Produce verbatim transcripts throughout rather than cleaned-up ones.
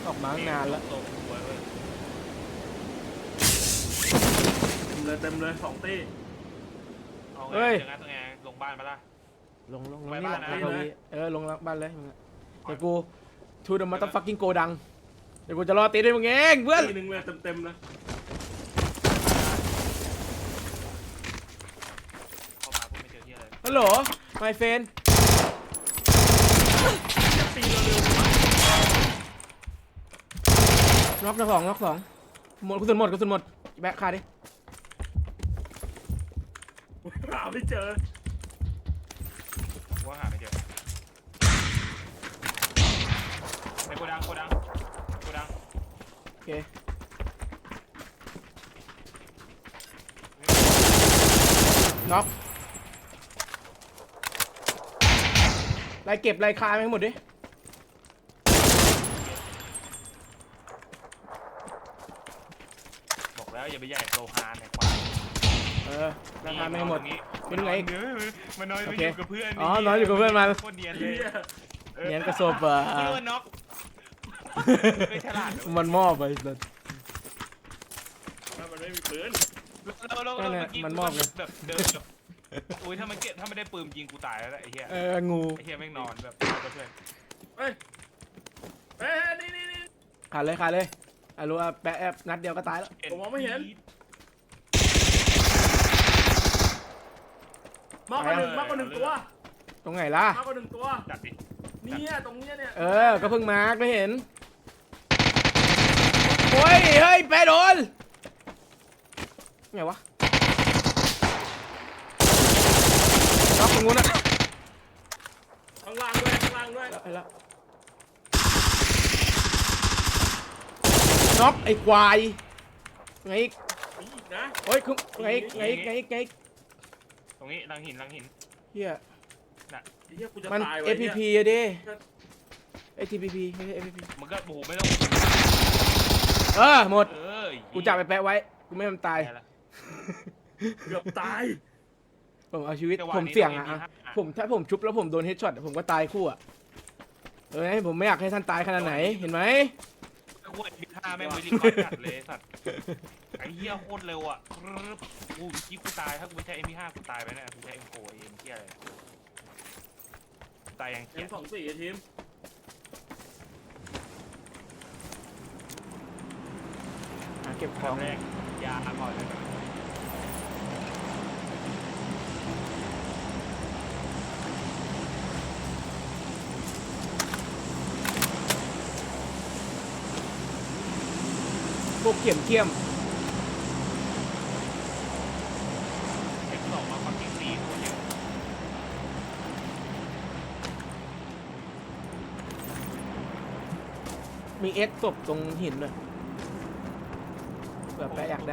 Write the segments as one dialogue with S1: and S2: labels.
S1: ออกมาตั้งนานแล้ว
S2: ตกหัวเลย
S3: เต็มเลยเต็มเลยสองตี
S2: เอาไง
S1: เฮ้ย
S2: ยังไงตัวไงลงบ้านมาละ
S1: ลงลงลง
S2: ไป
S1: นี่
S2: บ้าน
S1: แหละ
S2: นะ
S1: ลงนี่เออลงบ้านเลยมึงอะเดี๋ยวกูทูดมาต้องฟักกิ้งโกดังเดี๋ยวกูจะรอตีด้วยมึงเองเพื่อน
S3: ตีหนึ่งเลยเต็มเต็มเลย
S2: เข้ามาพูดไม่เจอที่อะไร
S1: ฮัลโหลไมเฟน
S3: ตีเร็ว
S1: น็อกน็อกสองน็อกสองหมดกระสุนหมดกระสุนหมดแบกคาดิ
S3: ๆหาไม่เจอ
S2: ว่าหาไม่เจอในโกดังโกดังโกดัง
S1: โอเคน็อกไล่เก็บไล่คาไปให้หมดดิ
S2: บอกแล้วอย่าไปใหญ่โซฮานเนี่ยควาย
S1: เออไล่คาไปให้หมด เป็นไง
S2: เนื้อมันน้อย
S1: โอ
S2: ไป
S1: เค
S2: อยู่กับเพื่อน
S1: อ๋อน้อยอยู่กับเพื่อนมา
S2: โคตรเนียนเล
S3: เฮี
S2: ย
S3: ย
S1: เนียนกระโซบเปอร์
S2: คิดว่าน็อกไม่ฉลาด
S1: มันมอบไปเลย
S3: ถ้ามันไม่มีปืน
S2: เราเรา
S1: นั่นแหละ
S2: เมื่อกี้
S1: มันมอบเลย
S2: แบบเดินแบบอุ้ยถ้ามันเก็บถ้าไม่ได้ปืนยิงกูตายแล้วแหละไอ้เหี้ย
S1: เอองู
S2: ไอ้เหี้ยแม่งนอนแบบนอนกับเพื่อน
S3: เฮ้ยเฮ้ยนี่นี่นี่
S1: ขาดเลยขาดเลยอ่ะรู้ว่าแปะแอบนัดเดียวก็ตายแล้ว
S3: ผมมองไม่เห็น มากกว่าหนึ่งมากกว่าหนึ่งตัว
S1: ตรงไหนล่ะ
S3: มากกว่าหนึ่งตัว
S2: จัดดิ
S3: เนี่ยตรงเนี้ยเนี่ย
S1: เออ ก็เพิ่งมาร์กไม่เห็น โอ้ย เฮ้ย แปะโดน ไงวะล็อกตรงนู้นนะ
S3: ข้างล่างด้วยข้างล่างด้วย
S1: ไอ้ละน็อกไอ้ควายไงอีก
S3: มีอีกนะ
S1: โอ้ยคือไงอีกไงอีกไงอีกไงอีก
S2: ตรงนี้ลังหินลังหิน
S1: เฮีย
S3: ไอ้เหี้ยกูจะ
S1: มัน
S3: ตายไว้
S1: เอ พี
S3: เนี่ย
S1: พี อะดิไอทีพีพีไม่ใช่ เอ พี พี
S2: มันก็โอ้โหไม่ต้อง
S1: เออ หมด
S2: เออ
S1: กูจับไปแปะไว้ กูไม่ให้มันตาย
S3: เกือบตาย
S1: ผมเอาชีวิตผมเสี่ยงอะอะผมถ้าผมชุบแล้วผมโดนเฮดช็อตผมก็ตายคู่อะเออผมไม่อยากให้ท่านตายขนาดไหนเห็นไหม
S2: กูเอ็มพีห้าแม่งวิธีการจัดเลยสัตว์ไอ้เหี้ยโคตรเร็วอ่ะกูคิดกูตายถ้ากูไม่ใช้ เอ็ม พี ห้า กูตายไปแน่กูใช้ เอ็ม โฟร์ เอ็มเหี้ยอะไรตายยัง
S3: เอ็
S2: เหี้ย
S3: มสองสี่ทีม
S1: หาเก็บข
S2: ต
S1: อ
S2: อง นแรกยาก่อนเลย
S1: พวกเขี่ยมเขี่ยม
S2: เอ็มสองมาความจริงสี่โคตรเยอะ
S1: มีเอสศพตรงหินด้วยเผื่อแปะอยากได้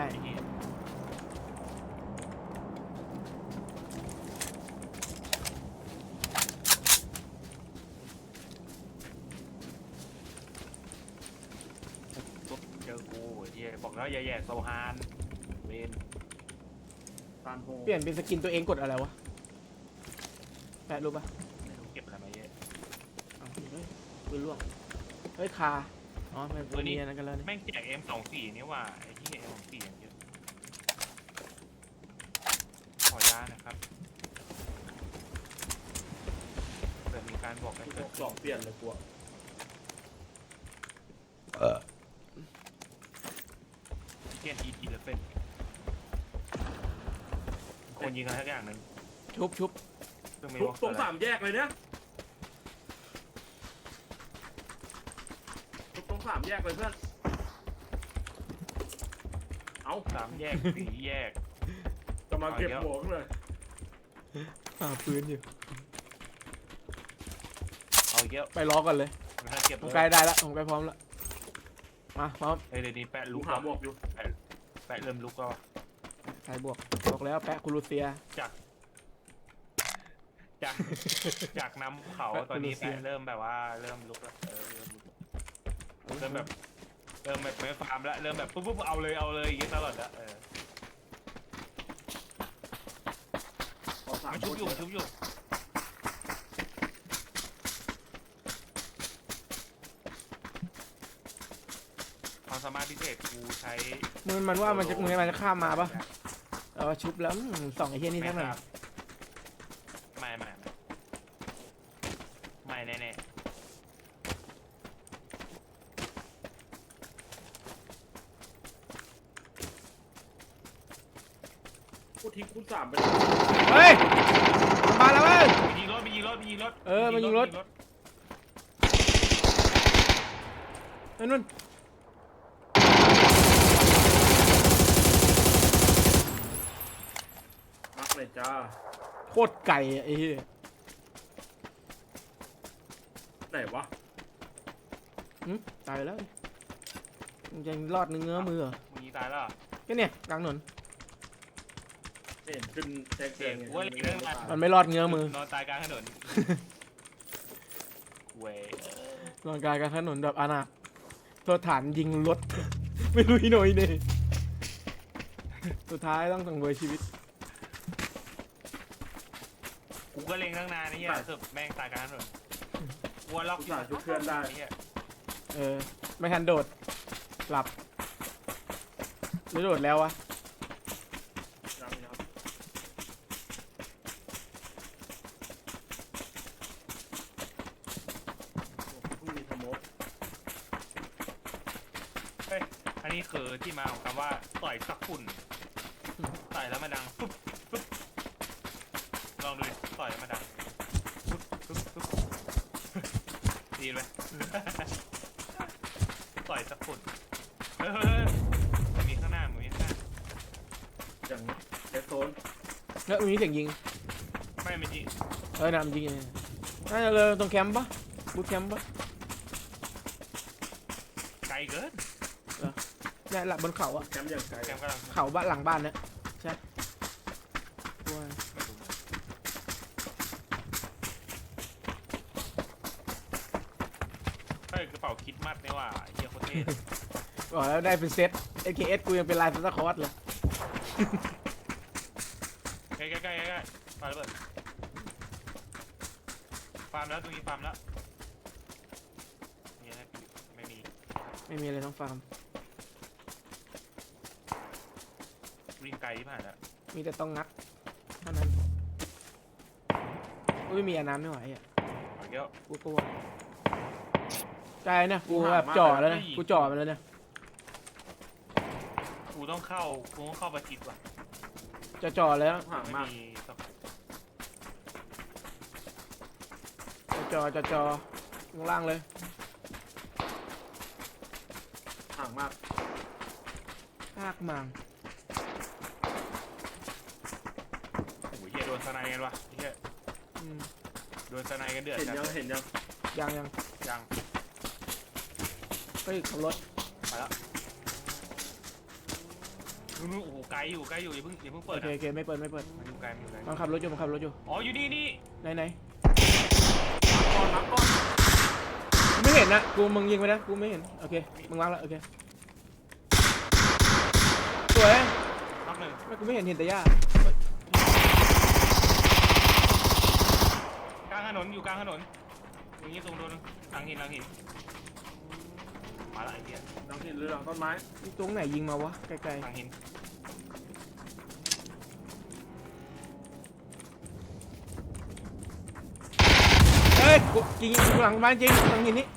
S2: เจอกูเหี้ยบอกแล้วอย่าแย่โซฮานเวน
S3: ตานโฮ
S1: เปลี่ยนเป็นสกินตัวเองกดอะไรวะแปะรู้ปะ
S2: ไม่รู้เก็บอะไรมาเยอะ
S1: เอาเฮ้ยปืนล่วงเฮ้ยคาอ๋อมันตัวนี้นั่นกันแล้วนี่
S2: แม่งแจก เอ็ม สองสี่นี่ว่าไอ้ที่ เอ็ม สองสี่อย่างเยอะขอยานะครับเผื่อมีการบอกให้เกิด
S3: สองเปลี่ยนเลยกู
S2: เกียนอีทีละเป็นคนยิงอะไรสักอย่างหนึ่ง
S1: ชุบชุบ
S2: ซึ่งไม่
S3: ทุก
S2: ว่า
S3: ตรงสามแยกเลยเนี่ยทุกตรงสามแยกเลยเพื่อนเอา
S2: สามแยกสี่แยก
S3: จะมาเก็บหัวกันเลย
S1: หาปืนอยู่
S2: เอาเยอะ
S1: ไปล้อกันเลย
S2: ถ้าเก็บ
S1: ผมใกล้ได้แล้วผมใกล้พร้อมแล้วมาพร้อม
S2: เฮ้ยเดี๋ยวนี้แปะ
S3: ลู
S2: ลุ
S3: ก
S2: ก
S3: หา
S2: แล้ว
S3: บวกอยู่
S2: แปะเริ่มลุกแล้ว
S1: ใครบวกบอกแล้วแปะคูรูเซีย
S2: จากจากจากนำเขาตอนนี้แปะเริ่มแบบว่าเริ่มลุกแล้วเออเริ่มลุกเริ่มแบบเริ่มแบบไม่ฟาร์มแล้วเริ่มแบบปุ๊บปุ๊บเอาเลยเอาเลยอย่างเงี้ยตลอดละเออ
S3: ขอสาม
S2: มัน
S3: ค
S2: ชุบ
S3: น
S2: อยู่ชุบอยู่ความสามารถพิเศษกูใช้
S1: มันมันว่ามันจะมึงมันจะข้ามมาปะเออชุบแล้วอืมส่องไอ้เหี้ยนี่
S2: ไม่
S1: ทั้งนั้น
S2: ครับไม่ไม่ไม่ไม่แน่แน่
S3: กูทิ้งคูณสามไป
S1: เฮ้ยมาแล้วเว้ย
S2: ๆมียิงรถมียิงรถมียิงรถ
S1: เออมันยิงรถ ไอ้นุ่น
S3: มักเลยจ้า
S1: โคตรไก่อะไอ้เหี้ย
S3: ไหนวะ
S1: หึตายแล้วมึงยังรอดเนื้อมือเหรอ
S2: มึงยิงตายแล้วเหรอ
S1: ก็เนี่ยกลางถนน
S3: ไม่เห็นขึ้นแจ้งเตือนไง
S2: เว้ยเรื่องอะไร
S1: มันไม่รอดเงื้อมือน
S2: อนตายกลางถนนเว้ย
S1: รอนกลางกลางถนนแบบอนาถโทษฐานยิงรถ ไม่รู้อีโหนอยเนี่ยสุดท้ายต้องสังเวยชีวิต
S2: กูก็เล็งตั้งนานนี่เหี้ยสุดแม่งตายกลางถนนกลัวล็อก
S3: กูสาชุบเพื่อนได้
S2: เหี้ย
S1: เออไม่ทันโดดหลับหรือโดดแล้ววะ
S3: ยังครับโอ้เพิ่งมีสโมก
S2: เฮ้ยอันนี้คือที่มาของคำว่าต่อยสักฝุ่นต่อยแล้วมันดังปุ๊บปุ๊บลองดูดิต่อยแล้วมันดังปุ๊บปุ๊บปุ๊บดีไหม ต่อยสักฝุ่นเฮ้ยเฮ้ยเฮ้ยมันมีข้างหน้ามันมีข้างหน้า
S3: อย่างเดสโซน
S1: แล้วมีเสียงยิง
S2: ไม่ไม่จริง
S1: เออนำยิงเนี่ยน่าจะเลยตรงแคมป์ปะบูทแคมป์ปะ
S2: ไกลเกิน
S1: เนี่ยหลับบนเขาอะ
S3: แคมป์อย่างไกล
S2: แกมกำลัง
S1: เขาบ้านหลังบ้านเนี่ยใช่ว้าย
S2: ไม่รู้เฮ้ยกระเป๋าคิดมัดเนี่ยว่ะเฮียโคตรเท่
S1: บอกแล้วได้เป็นเซต เอ เค เอส กูยังเป็นลายซันตาคลอสเลย
S2: ใกล้ใกล้ใกล้ใกล้ฟาร์มระเบิดฟาร์มแล้วตรงนี้ฟาร์มแล้วนี่นะไม่มี
S1: ไม่มีอะไรต้องฟาร์ม
S2: วิ่งไกลที่ผ่านแล้ว
S1: มีแต่ต้องงัดเท่านั้นกูไม่มีอาน้ำไม่ไหวอ่ะ
S2: เอาเยอะ
S1: กูกลัวใจเนี่ยกูแบบจ่อแล้วนะกูจ่อไปแล้วเนี่ย
S2: กูต้องเข้ากูต้องเข้าประชิดว่ะ
S1: จะจ่อแล้ว
S3: ห่าง
S2: ไม่
S3: มาก
S2: มีสก
S1: จะจ่อจะจ่อลงล่างเลย
S3: ห่างมาก
S1: ภาคมัง
S2: โอ้โหเฮียโดนสไนกันว่ะเฮีย
S1: อืม
S2: โดนสไนกันเดือด
S3: เห็น
S2: จัด
S3: ยังเห็นยัง
S1: ยังยัง
S2: ยัง
S1: เฮ้ยขับรถ
S2: ไปแล้วนู่นนู่นโอ้โหไกลอยู่ไกลอยู่อย่าเพิ่งอย่าเพิ่งเปิ
S1: โอ
S2: ด
S1: เค
S2: นะ
S1: โอเคไม่เปิดไม่เปิด
S2: มันอยู่ไกลมันอยู่ไกล
S1: มันขับรถอยู่มันขับรถอยู่
S2: อ๋ออยู่นี่นี่
S1: ไหนไหน
S3: ก่อนรับก่อน
S1: กูไม่เห็นนะกูมึงยิงไปนะกูไม่เห็นโอเคมึงวางแล้วโอเคสวย
S2: นับหนึ่ง
S1: ไม่กูไม่เห็นเห็นแต่หญ้าก
S2: ลางถนนอยู่กลางถนนอย่างนี้ตรงโดนหลังหินหลังหินมาละไอ้เหี้ย
S3: ดังหินหรือหลังต้นไม้
S1: นี่ตรงไหนยิงมาวะไกล
S2: หลังหิน
S1: ๆเฮ้ยกูยิงกูหลังบ้านจริงหลังหินนี้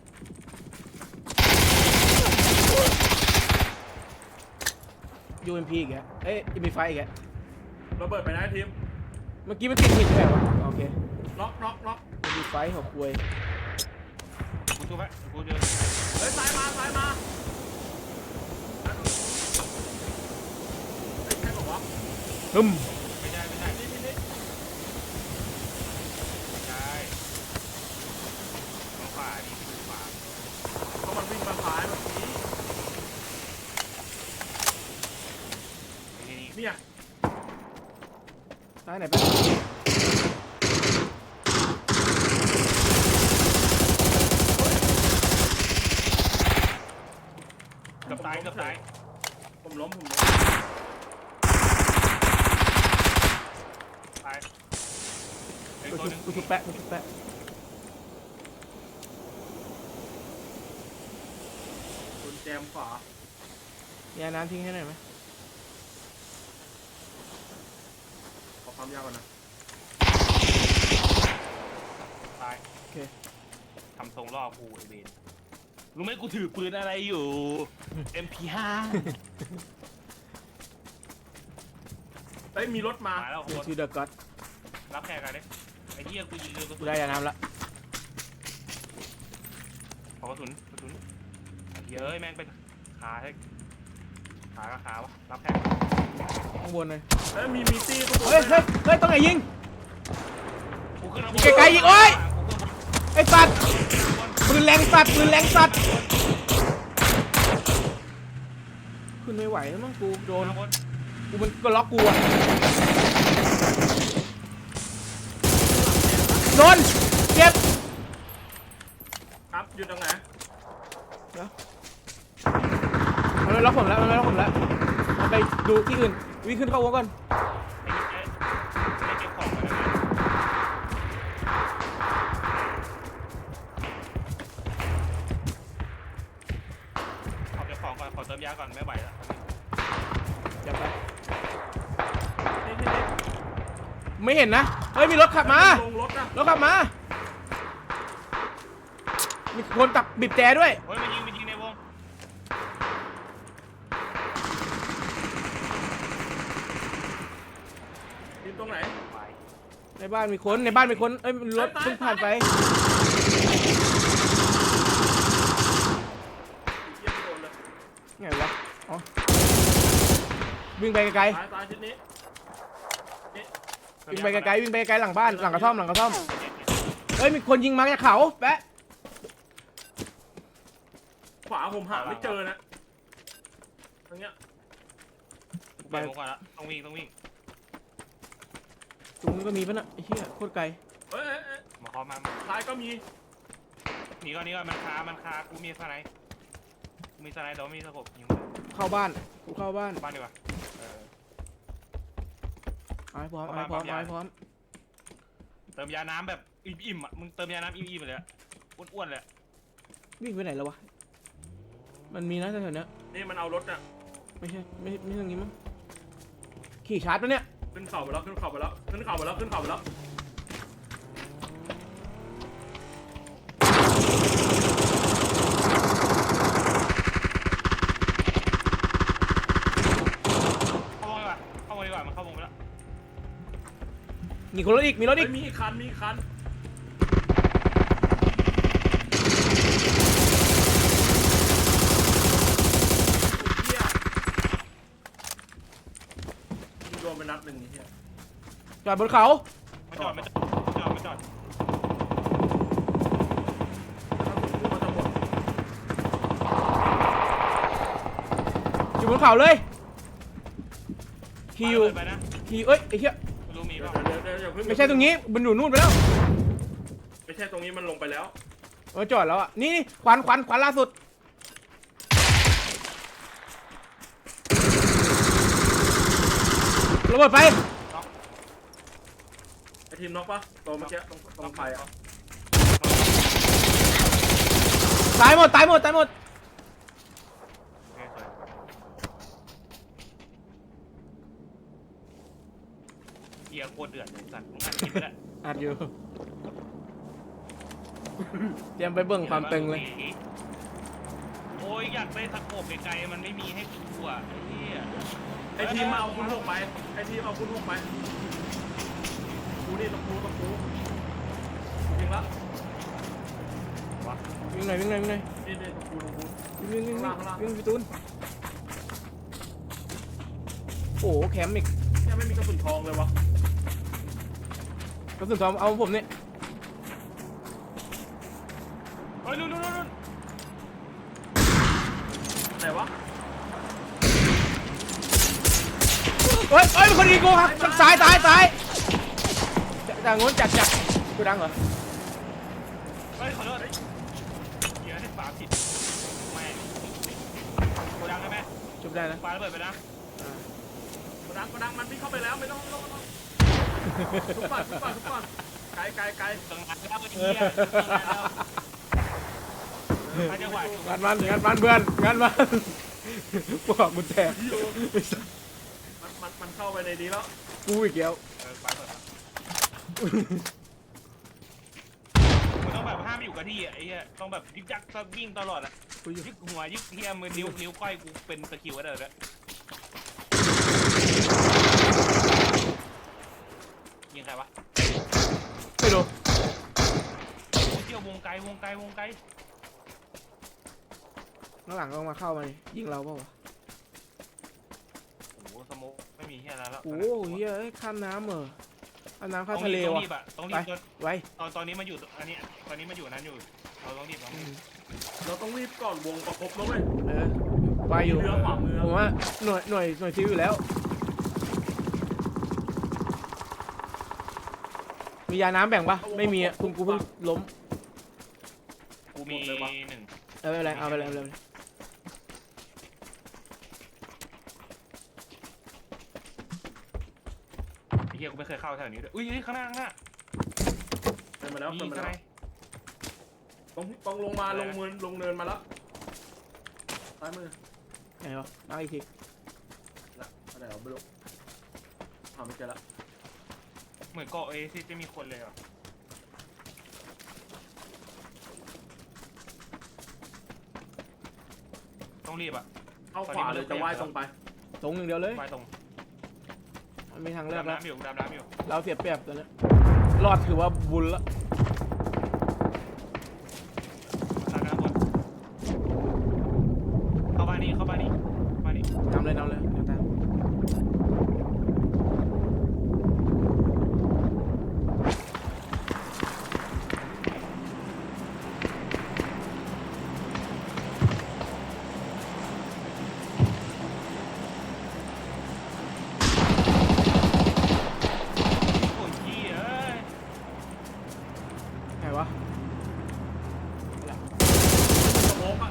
S1: ยูเอ็มพีอีกแล้วเอ้ยมีไฟอีกแล้ว
S3: ระเบิดไปนะทีม
S1: เมื่อกี้มันติดหินใช่ไหมวะโอเค
S3: น็อกน็อกน็อก
S1: มีไฟหัวควย
S2: กูชูไปกูเดิน
S3: เฮ้ยซ้ายมาซ้ายมาเฮ้ยใช่บอกว่า
S1: ฮึม
S2: ไม่ได้ไม่ได้
S3: นี่นี่นี่
S2: ไม่ได้มองขวาดิมองขวา
S3: เขามันวิ่งมาซ้ายแบบนี้
S2: นี่นี่
S3: เนี่ย
S1: ซ้ายไหนไปะ
S2: เกือบตายเกือบตาย
S3: ผมล้มผมล้ม
S2: ตายไอ้
S1: กู
S2: ตัว
S1: ชุ
S2: ห
S1: บ
S2: นึง
S1: กูชุบแปะกูชุบแปะ
S3: สแจมขวา
S1: มีน้ำทิ้งให้หน่อยไหม
S3: ขอความยาวก่อนนะ
S2: ตาย
S1: โอเค
S2: ทำทรงล่อกูไอเวนรู้ไหมกูถือปืนอะไรอยู่ เอ็ม พี ห้า
S3: เฮ้ยมีรถมา
S2: มาแล้ว
S1: เดี๋ยว
S2: คน
S1: ชื่อเดอะก็อด
S2: รับแขกกันดิไอ้เหี้ยกูยิงเรือกระ
S1: กู
S2: สุน
S1: ได้ยาน้ำละ
S2: ขอกระสุนกระสุนไอ้เหี้ยเอ้ยแม่งเป็นขาให้ขากับขาวะรับแขก
S1: ข้างบนเลย
S3: เฮ้ยมีมีตี้ข้างบน
S1: เฮ้ย
S3: ด้
S1: เฮ้
S3: วย ยนะ
S1: เฮ้ยต้องไหนยิง
S2: กูขึ้นข้างบน
S1: ไกลๆอีกโอ๊ย
S2: กูขึ้น
S1: ไอ้สัตว์ปืนแรงสัตว์ปืนแรงสัตว์ขึ้นไม่ไหวแล้วมั้งกูโดน
S2: ข้างบน
S1: กูมันก็ล็อกกูอะโดนเจ็บ
S3: ครับอยู่ตรงไหน
S1: มันไม่ล็อกผมแล้วมันไม่ล็อกผมแล้วมันไปดูที่อื่นวิ่งขึ้นเข้าวงก่อน
S2: ไอ้เหี้ยไอ้เก็บของมาแล้วนะขอเก็บของก่อนขอเติมยาก่อนไม่ไหวแล้ว
S1: จับไป
S3: นี่นี่นี่
S1: ไม่เห็นนะเฮ้ยมีรถขับมา
S3: ลงรถนะ
S1: รถขับมามีคนตับบีบแต่ด้วย
S2: เฮ้ยมันยิงมันยิงในวง
S3: อยู่ตรงไหน
S2: ไป
S1: ในบ้านมีคนในบ้านมีคนเอ้ยรถ
S3: ตาย
S1: เพิ่งผ่านไป
S3: เยี่ยมโดนเลย
S1: ไงวะอ๋อวิ่งไปไกล
S3: ตายตายชิ้นนี้นี่
S1: ๆวิ่งไปไกลๆวิ่งไปไกลๆหลังบ้านหลังกระท่อมหลังกระท่อมเฮ้ยมีคนยิงมาจากเขาแปะ
S3: ขวาผมหาไม่เจอนะตรงเนี้ย
S2: ไปวงก่อนละต้องวิ่งต้องวิ่ง
S1: ตรงนี้ก็มีปะน่ะไอ้เหี้ยโคตรไกล
S3: เฮ้ยเอ้ยเอ้ย
S2: มาเคาะมา
S3: ซ้ายก็มี
S2: หนีก่อนหนีก่อนมันคามันคากูมีสไนด์กูมีสไนด์เดี๋ยวมีสกบยิง
S1: เข้าบ้านกูเข้าบ้าน
S2: บ้านดีกว่าเออ
S1: เอาให้พร้อมเอาให้พร้อมเอาให้พร้อม
S2: เติมยาน้ำแบบอิ่มๆอ่ะมึงเติมยาน้ำอิ่มๆไปเลยอะอ้วนๆเลยอะ
S1: วิ่งไปไหนแล้ววะมันมีนะแถวๆเนี้ย
S3: นี่มันเอารถน่ะ
S1: ไม่ใช่ไม่ไม่ใช่ตรงนี้มั้งขี่ชาร์จปะเนี่ย
S3: ขึ้นเข่าไปแล้วขึ้นเข่าไปแล้วขึ้นเข่าไปแล้วขึ้นเข่าไปแล้ว
S2: เข้าวงดีกว่าเข้าวงดีกว่ามันเข้าวงไปแล้ว
S1: มีคนรถอีกมีรถอี
S3: เฮ้
S1: ก
S3: ยมีอีกคันมีอีกคันเฮียโดนไปนัดหนึ่งนี่เฮีย
S1: จอดบนเขา
S2: ไม่จอดไม่จอดไม่จอดไม่จอด
S3: ถ้าผมพูดมันจะหมด
S1: อยู่บนเขาเลยขี่อยู่
S2: เปิดไปนะ
S1: ขี่เอ้ยไอ้เหี้ย
S2: ไม่รู้มี
S3: เดี๋ย
S2: เป
S3: ว
S2: ล่า
S3: เดี๋ยวเดี๋ยวอย่าเพิ่ง
S1: ไม่ใช่ตรงนี้มันอยู่นู่นไปแล้ว
S3: ไม่ใช่ตรงนี้มันลงไปแล้ว
S1: เออจอดแล้วอ่ะนี่นี่ควันควันควันล่าสุดระเบิดไป
S3: ไอทีมน็อกปะตัวเมื่อกี้ตรงตรงไฟอ่ะ
S1: ตายหมดตายหมดตายหมด
S2: โอเคสวยเกียร์โคตรเดือดเลยสัตว์มึงอัดคลิปไปแล้ว
S1: อัดอยู่เตรียมไปเบิ่งความตึงเลย
S2: โอ้ยอยากได้สโคปไกลๆมันไม่มีให้กูอ่ะไอ้เหี้ย
S3: ไอทีมมาเอาคุณหกไปไอทีมเอาคุณหกไปกูนี่ต้องกูต้องกูจริงละ
S1: วิ่งหน่อยวิ่งหน่อยวิ่งหน่อย
S3: นี่นี่ต้องกูต้องกู
S1: วิ่งวิ่งวิ่ง
S3: ข้างล่าง
S1: วิ่งพี่ตูนโอ้โหแคมป์อีก
S3: เนี่ยไม่มีกระสุนทองเลยวะ
S1: กระสุนทองเอาผมเนี่ย
S2: เฮ้ยนู่นนู่นนู่น
S3: ไหนวะ
S1: เฮ้ยเฮ้ยเป็นคนยิงกูครับทางซ้ายซ้ายซ้ายจากโน้นจัดจัดกูดังเหรอ
S2: เฮ้ยขอโทษเกียร์ให้ฝาผิดแม่งโกดังได้ไหม
S1: จบได้นะ
S2: ฝาระเบิดไปนะ
S3: กระดังกระดังมันวิ่งเข้าไปแล้วไม่ต้องไม่ต้องไม่ต้องทุกก่อนทุกก่อนทุกก่อนไกลไกลไกล
S2: ตรงนั้นแล้วไอ้เหี้ยตรงนั้นแล้วถ้าจังหวะ
S1: งานมันงานมันเพื่อนงานมันพวกกุญแจ
S3: มันมันมันเข้าไปในนี้แล้ว
S1: กูอีกแล้ว
S2: เออไปเปิดมันต้องแบบห้ามอยู่กับที่อ่ะไอ้เหี้ยต้องแบบยึกยักวิ่งตลอดอ่ะ
S1: กูอยู่
S2: ยึกหัวยึกเหี้ยมือนิ้วนิ้วก้อยกูเป็นตะคริวอะไรเลยยิงใครวะ
S1: ไม่รู้
S2: เที่ยววงไกลวงไกลวงไกล
S1: ข้างหลังก็มาเข้ามาดิยิงเราเปล่าวะ
S2: โอ้โหสโมกไม่มีเหี้ยอะไรแล้ว
S1: โอ้โหเฮ้ยข้ามน้ำเหรอข้ามน้ำข้าม
S2: ต้อง
S1: ทะเล
S2: รีบต้อง
S1: วะ
S2: รีบอ่ะต้องรี
S1: ไป
S2: บจน
S1: ไว้
S2: ตอนตอนนี้มันอยู่อันนี้ตอนนี้มันอยู่นั้นอยู่เราต้องรีบต้องรีบ
S3: เราต้องรีบก่อนวงประคบแล้วเว้ย
S1: เออไว้อยู่
S3: เรือขวามือ
S1: ผมว่าหน่วยหน่วยหน่วยซิลอยู่แล้ว มียาน้ำแบ่งปะไม่มีอ่ะคุณกูเพิ่งล้ม
S2: กูมีหนึ่ง
S1: เออไม่เป็นไรเอาไปเลยเอาไปเลย
S2: ไอ้เหี้ยกูไม่เคยเข้าแถวนี้ด้วยอุ้ยข้างหน้าข้างหน้า
S3: เดินมาแล้ว
S2: มี
S3: เดินมา
S2: อะไร
S3: แล้วต้องต้องลงมาลงเนินลงเนินมาแล้วซ้ายมือ
S1: ไหนวะมาอีกที
S3: ละอะไรเอาไม่รู้หาไม่เจอละ
S2: เหมือนเกาะเอซิจะมีคนเลยอ่ะต้องรีบอ่ะ
S3: เข้าขวาเลยจะว่ายตรงไป
S1: ตรงอย่างเดียวเลย
S2: ไปตรง
S1: มันมีทางเลือก
S2: ดำ
S1: แล้ว
S2: น้ำอยู่ดำน้ำอยู่
S1: เราเสียเปรียบตอนนี้รอดถือว่าบุญละ
S2: ดำน้ำบนเข้าบ้านนี้เข้าบ้านนี้บ้านนี้
S1: นำเลยนำเลยเดี๋ยวตาม
S2: โอ้ยขี้เอ้ย
S1: ไหนวะ
S3: สโมกอ่ะ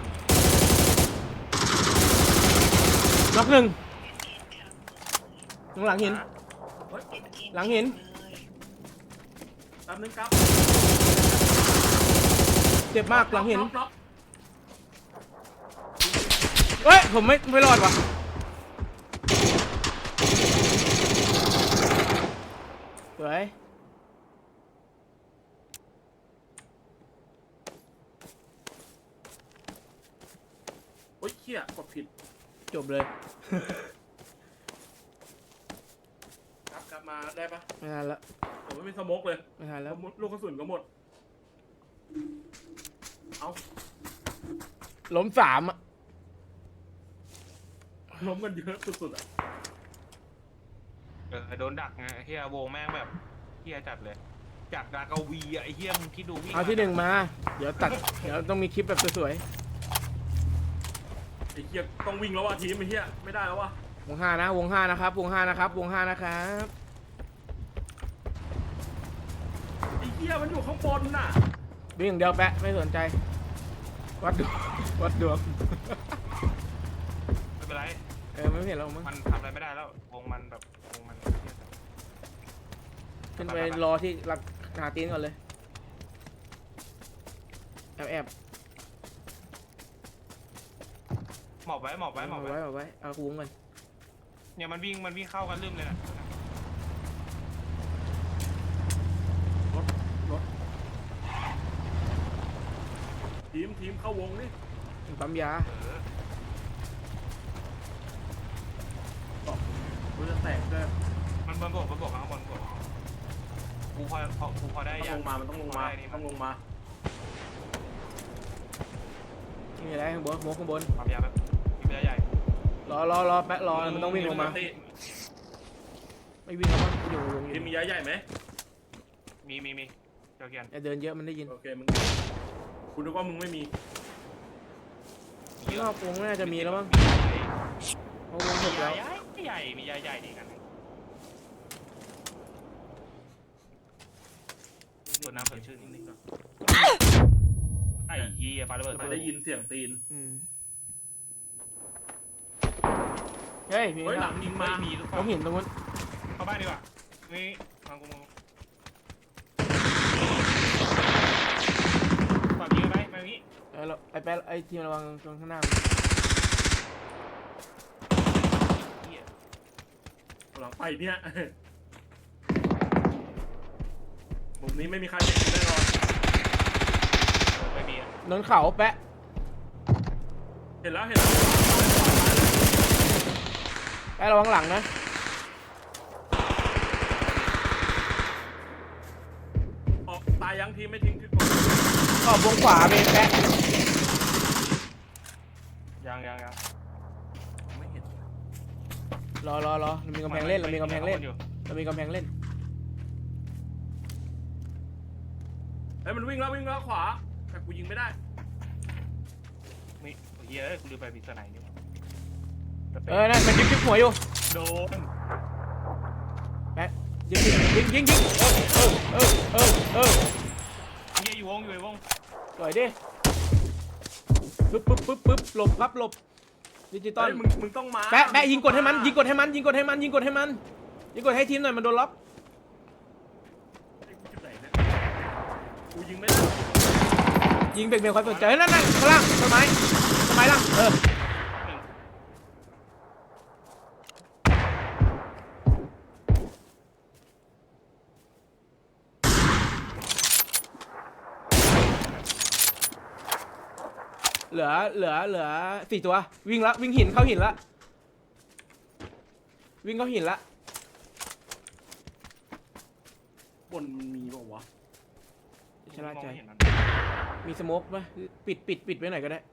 S1: น็อกหนึ่งตรงหลังหิน
S3: เฮ้ย
S1: หลังหิน
S3: แป๊บนึงครับ
S1: เจ็บมากหลังหิน
S3: น็อกน็อก
S1: เฮ้ยผมไม่ไม่รอดว่ะสวย
S3: โอ้ยเขี้ยกดผิด
S1: จบเลย
S3: กลับกลับมาได้ปะ
S1: ไม่ทันละ
S3: ผมไม่มีสโมกเลย
S1: ไม่ทันแล้ว
S3: ลูกกระสุนก็หมดเอา
S1: ล้มสามอ่ะ
S3: ล้มกันเยอะสุดๆอ่ะ
S2: เออโดนดักไงไอ้เฮียวงแม่งแบบเฮียจัดเลยจากดากาวีอะไอ้เฮียมึงคิดดูวิ่ง
S1: เอาที่หนึ่งมา เดี๋ยวตัด เดี๋ยวต้องมีคลิปแบบสวย
S3: ไอ้เขี้ยต้องวิ่งแล้วว่ะทีมไอ้เขี้ยไม่ได้แล้วว่ะ
S1: ๆวงห้านะ วงห้านะครับ วงห้านะครับ วงห้านะครับ
S3: ไอ้เขี้ยมันอยู่ข้างบนน่ะ
S1: วิ่งอย่างเดียวแปะไม่สนใจ วัดดวงวัดดวง
S2: ไม่เป็นไร
S1: เออไม่เห็นเรามั้ง
S2: มันทำอะไรไม่ได้แล้ววงมันแบบวงมันเหี้ย
S1: ขึ้นไปรอที่หลักหาตีนก่อนเลย แอบแอบ
S2: หมอบไว้หมอบไว้หมอบ
S1: เอา
S2: ไว้
S1: ไว้เอาไว้ เอาวงก่อน
S2: เนี่ยมันวิ่งมันวิ่งเข้ากันลืมเลยนะ
S3: รถรถทีมทีมเข้าวงนี่
S1: ปั๊มยา
S2: เออ
S3: บอกกูจะแตกด้วย
S2: มันมันบวกมันบวกข้างบนบวกกูพอพอกูพอได้
S3: ต้อง
S2: ยั
S3: ล
S2: ง
S3: งมามันต้องลงมา
S2: พได้นี่
S3: ต้องลงมา
S1: มีอะไรข้างบนโมข้างบน
S2: ความยาวแบบมีเรือใหญ่
S1: รอรอรอแปะรอ มันต้องวิ่งลงมา
S3: ตี
S1: ไม่วิ่งแล้วมั้งอยู่วงอ
S3: ทีม
S1: ยู่
S3: มีย้ายใหญ่ไหม
S2: มีมีมีเจ้าเกียน
S1: อย่าเดินเยอะมันได้ยิน
S3: โอเคมึงคุณนึกว่ามึงไม่มี
S1: ข้างนอกวงน่าจะมีแล้วมั้ง
S2: ใหญ่
S1: เพราะวงหม
S2: มี
S1: ด
S2: ให
S1: แล้
S2: ญ่
S1: ว
S2: ใหญ่มีใหญ่ใหญ่ดีกันตัวน้ำสดชื่นนิดนึงไอ้เหี้ยปาระเบิด
S3: ไม่ได้ยินเสียงตีน
S1: อืมเฮ้ยมี
S3: เฮ้ยหลังยิงมา
S2: มีลูก
S1: เขาเห็นตรงนู้น
S2: เข้าบ้านดีกว่านี่ฟังกูมึงฝากยิงไปมาอย่างนี้
S1: เออเราไอ้แป๊ะไอ้ทีมระวังตรงข้างหน้า
S2: เหี้ย
S3: หลังไปเนี่ยมุมนี้ไม่มีใครเห็นแน่นอน
S2: ไม่มีอะ
S1: นนเขาแป๊ะ
S3: เห็นแล้วเห็นแล้ว
S1: แป๊ะระวังหลังนะ
S3: ออกตายยังทีไม่ทิ้งคือ
S1: ออกวงขวาเมนแป๊ะ
S2: ยังยังยัง
S3: ไม่เห็น
S1: รอรอรอเรามีกำแพงเล่นเรามีกำแพงเล่น
S2: อยู่
S1: เรามีกำแพงเล่น
S3: เฮ้ยมันวิ่งแล้ววิ่งแล้วขวาแต่กูยิงไม่ได้
S2: มีเหี้ยเอ้ยกูลืมไปมีสไนด์นี่หว่า
S1: เออนั่นมันยิงยิงหัวอยู่
S2: โดน
S1: แป๊ะยิงยิงยิงยิงเออเออเออเออ
S2: เหี้ยอยู่วงอยู่ในวง
S1: ปล่อยดิปึ๊บปึ๊บปึ๊บปึ๊บหลบครับหลบดิจิตอล
S3: เฮ้ยมึงมึงต้องมา
S1: แปะแปะยิงกดให้มันยิงกดให้มันยิงกดให้มันยิงกดให้มันยิงกดให้ทีมหน่อยมันโดนล็อก
S3: ไอ้กูจุดไหนเนี่ยกูยิงไม่ได้
S1: ยิงเบรกเบรกคอยสนใจเฮ้ยนั่นนั่นข้างล่างต้นไม้ต้นไม้ล่างเออ
S2: หนึ่ง
S1: เหลือเหลือเหลือสี่ตัววิ่งละวิ่งหินเข้าหินละวิ่งเข้าหินละ
S3: บนมันมีเปล่าวะ
S1: ชะล่าใจ
S2: มองไม่เห็นมัน
S1: มีสโมกไหมปิดปิดปิดไว้หน่อยก็ได้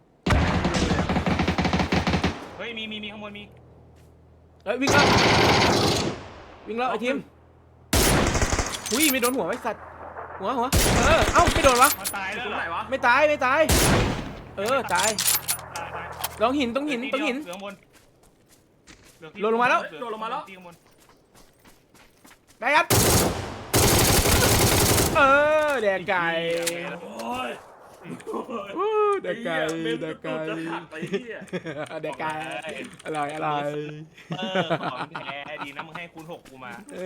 S2: เฮ้ยมีมีมีข้างบนมี
S1: เอ้ยวิ่งแล้ววิ่งแล้วไอ้ทีมหุ้ยไม่โดนหัวไว้สัตว์หัวหัวเออเอ้าไม่โดนวะ
S2: มันตาย
S3: ต
S2: แล้ว
S3: รง
S2: เหร
S3: ไหน
S2: อ
S3: วะ
S2: ไม่
S1: ไม่ตายไม่ตายเออตาย
S2: ตายตาย
S1: ลองหินตรงหินตรงหิน
S2: เหลือข้างบนเหอที่
S1: โดนลงมาแล้ว
S2: เหอ
S3: โดนลงมาแล้ว
S2: ที่ข้างบน
S1: ไปยัดเออแดกไก่
S3: โอ้ย
S1: อู้แดกไก่
S3: เมม
S1: แด
S3: จะ
S1: ก
S3: ตู
S1: ไก่
S3: ดจะหักไปเหี้ย
S1: แดกไก่อร่อยอร่อย
S2: เออของแท้ดีนะมึงให้คูณหกกูมา